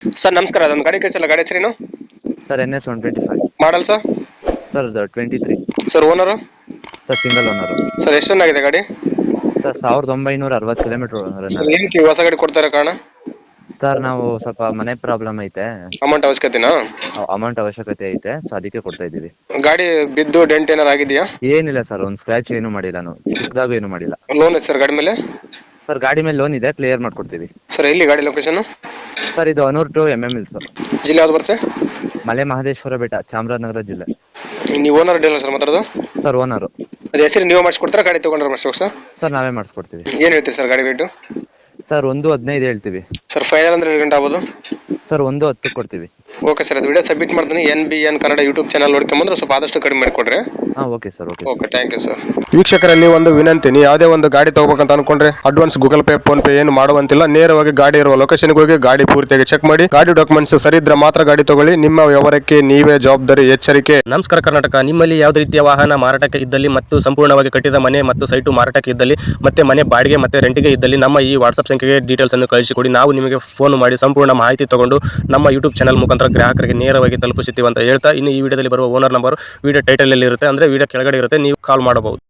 Sir ನಮಸ್ಕಾರ, ಅದೊಂದು ಗಾಡಿ ಕಳಿಸಲ್ಲ, ಗಾಡಿ ಹೆಸರೇನು? Sir NS 125. Model sir? Sir 23. Sir owner? Sir single owner. Sir ಎಷ್ಟು ರನ್ ಆಗಿದೆ ಗಾಡಿ? ಸರ್ 1960 ಕಿಲೋಮೀಟರ್ ರನ್ ಸರ್ ಆಗಿದೆ. ಏನಕ್ಕೆ ಹೊಸ ಗಾಡಿ ಕೊಡ್ತಾರೆ ಕಾರಣ? ಸರ್ ನಾವು ಸ್ವಲ್ಪ ಮನೆ ಪ್ರಾಬ್ಲಮ್ ಐತೆ, ಅಮೌಂಟ್ ಅವಶ್ಯಕತೆನಾ? ಅಮೌಂಟ್ ಅವಶ್ಯಕತೆ ಐತೆ, ಸೊ ಅದಕ್ಕೆ ಕೊಡ್ತಾ ಇದ್ದೀವಿ. ಗಾಡಿ ಬಿದ್ದು ಡೆಂಟ್ ಏನಾರು ಆಗಿದೆಯಾ? ಏನಿಲ್ಲ ಸರ್, ಒಂದು ಸ್ಕ್ರಾಚ್ ಏನು ಮಾಡಿಲ್ಲ, ನಾವು ಚಿಕ್ಕದಾಗೂ ಏನು ಮಾಡಿಲ್ಲ. ಲೋನ್ ಇದೆ ಸರ್ ಗಾಡಿ ಮೇಲೆ? ಸರ್ ಗಾಡಿ ಮೇಲೆ ಲೋನ್ ಇದೆ, ಕ್ಲಿಯರ್ ಮಾಡ್ಕೊಡ್ತೀವಿ. ಸರ್ ಎಲ್ಲಿ ಗಾಡಿ ಲೊಕೇಶನ್? ಸರ್ ಇದು ಅನೂರ್ ಟು MML ಸರ್. ಜಿಲ್ಲೆ ಯಾವ್ದು ಬರುತ್ತೆ? ಮಲೆ ಮಹದೇಶ್ವರ ಬೆಟ್ಟ, ಚಾಮರಾಜನಗರ ಜಿಲ್ಲೆ. ನೀವು ಓನರ್ ಡೀಲರ್ ಸರ್ ಮಾತಾಡೋದು? Sir owner. ಅದು ಹೆಸರು ನೀವು ಮಾಡಿಸ್ಕೊಡ್ತಾರೆ, ಗಾಡಿ ತೊಗೊಂಡ್ರೆ ಮಾಡಿಸ್ಬೇಕು ಸರ್? ಸರ್ ನಾವೇ ಮಾಡಿಸ್ಕೊಡ್ತೀವಿ. ಏನು ಹೇಳ್ತೀರಿ ಸರ್ ಗಾಡಿ ರೇಟು? ಸರ್ 1.15 ಹೇಳ್ತೀವಿ. ಸರ್ ಫೈನಲ್ ಅಂದ್ರೆ 2 ಗಂಟೆ ಆಗ್ಬೋದು? ಸರ್ 1.10 ಕೊಡ್ತೀವಿ. ಓಕೆ ಸರ್, ಅದು ವಿಡಿಯೋ ಸಬ್ಮಿಟ್ ಮಾಡ್ತೀನಿ. NBN ಕನ್ನಡ ಯೂಟ್ಯೂಬ್ ಚಾನಲ್ ನೋಡ್ಕೊಂಬಂದ್ರೆ ಸ್ವಲ್ಪ ಆದಷ್ಟು ಕಡಿಮೆ ಮಾಡಿಕೊಡ್ರಿ. Okay sir. Okay, thank you sir. ವೀಕ್ಷಕರಲ್ಲಿ ಒಂದು ವಿನಂತಿ, ನೀವು ಯಾವುದೇ ಒಂದು ಗಾಡಿ ತಗೋಬೇಕಂತ ಅನ್ಕೊಂಡ್ರೆ advance Google Pay, PhonePe ಏನು ಮಾಡುವಂತಿಲ್ಲ. ನೇರವಾಗಿ ಗಾಡಿ ಇರುವ ಲೊಕೇಶನ್ಗೆ ಹೋಗಿ ಗಾಡಿ ಪೂರ್ತಿಯಾಗಿ ಚೆಕ್ ಮಾಡಿ, ಗಾಡಿ ಡಾಕ್ಯುಮೆಂಟ್ಸ್ ಸರಿ ಇದ್ರೆ ಮಾತ್ರ ಗಾಡಿ ತಗೊಳ್ಳಿ. ನಿಮ್ಮ ವ್ಯವಹಾರಕ್ಕೆ ನೀವೇ ಜವಾಬ್ದಾರಿ. ಎಚ್ಚರಿಕೆ. ನಮಸ್ಕಾರ ಕರ್ನಾಟಕ. ನಿಮ್ಮಲ್ಲಿ ಯಾವುದೇ ರೀತಿಯ ವಾಹನ ಮಾರಾಟಕ್ಕೆ ಇದ್ದಲ್ಲಿ ಮತ್ತು ಸಂಪೂರ್ಣವಾಗಿ ಕಟ್ಟಿದ ಮನೆ ಮತ್ತು ಸೈಟು ಮಾರಾಟಕ್ಕೆ ಇದ್ದಲ್ಲಿ ಮತ್ತೆ ಮನೆ ಬಾಡಿಗೆ ಮತ್ತೆ ರೆಂಟಿಗೆ ಇದ್ದಲ್ಲಿ ನಮ್ಮ ಈ ವಾಟ್ಸ್ಆಪ್ ಸಂಖ್ಯೆಗೆ ಡೀಟೇಲ್ಸ್ ಅನ್ನು ಕಳಿಸಿಕೊಡಿ. ನಾವು ನಿಮಗೆ ಫೋನ್ ಮಾಡಿ ಸಂಪೂರ್ಣ ಮಾಹಿತಿ ತಗೊಂಡು ನಮ್ಮ ಯೂಟ್ಯೂಬ್ ಚಾನಲ್ ಮುಖಾಂತರ ಗ್ರಾಹಕರಿಗೆ ನೇರವಾಗಿ ತಲುಪಿಸುತ್ತೀವಿ ಅಂತ ಹೇಳ್ತಾ, ಇನ್ನು ಈ ವಿಡಿಯೋದಲ್ಲಿ ಬರುವ ಓನರ್ ನಂಬರ್ ವಿಡಿಯೋ ಟೈಟಲ್ ಅಲ್ಲಿ ಇರುತ್ತೆ, ಅಂದ್ರೆ ವಿಡಿಯೋ ಕೆಳಗಡೆ ಇರುತ್ತೆ, ನೀವು ಕಾಲ್ ಮಾಡಬಹುದು.